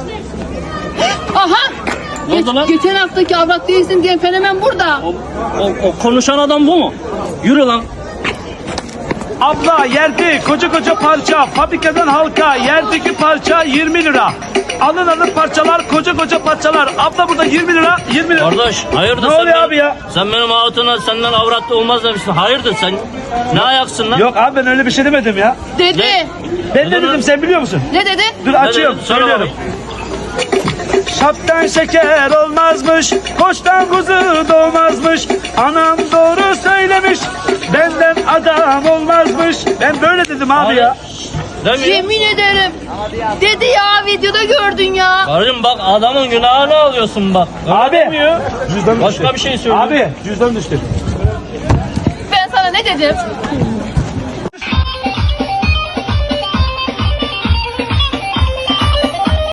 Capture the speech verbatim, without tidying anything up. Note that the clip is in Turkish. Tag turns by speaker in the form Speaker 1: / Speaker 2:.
Speaker 1: Aha!
Speaker 2: Ne oldu lan?
Speaker 1: Geçen haftaki avrat değilsin diyen fenomen burada.
Speaker 2: O, o, o konuşan adam bu mu? Yürü lan.
Speaker 3: Abla yerde koca koca parça, fabrikadan halka, yerdeki parça yirmi lira. Alın alın parçalar, koca koca parçalar. Abla burada yirmi lira, yirmi lira.
Speaker 2: Kardeş hayırdır
Speaker 3: Ne
Speaker 2: sen
Speaker 3: oluyor
Speaker 2: benim-
Speaker 3: abi ya?
Speaker 2: Sen benim hatuna senden avrat olmaz demişsin. Hayırdır sen? Ne ayaksın lan?
Speaker 3: Yok abi ben öyle bir şey demedim ya.
Speaker 1: Dedi.
Speaker 2: Ne?
Speaker 3: Ben ne dedim sen biliyor musun?
Speaker 1: Ne dedi?
Speaker 3: Dur açıyorum,
Speaker 2: dedin? Söyle
Speaker 3: söylüyorum. Şaptan şeker olmazmış, koçtan kuzu doğmazmış. Anam doğru söylemiş, benden adam olmazmış. Ben böyle dedim abi
Speaker 2: Hayır.
Speaker 3: ya.
Speaker 2: Demiyor.
Speaker 1: Yemin ederim. Dedi ya, videoda gördün ya.
Speaker 2: Karım bak adamın günahını alıyorsun bak. Öyle
Speaker 3: Abi.
Speaker 2: demiyor.
Speaker 3: Cüzdan
Speaker 2: Başka
Speaker 3: düştü.
Speaker 2: bir şey söylüyor.
Speaker 3: Abi cüzdan düştü.
Speaker 1: Ben sana ne dedim?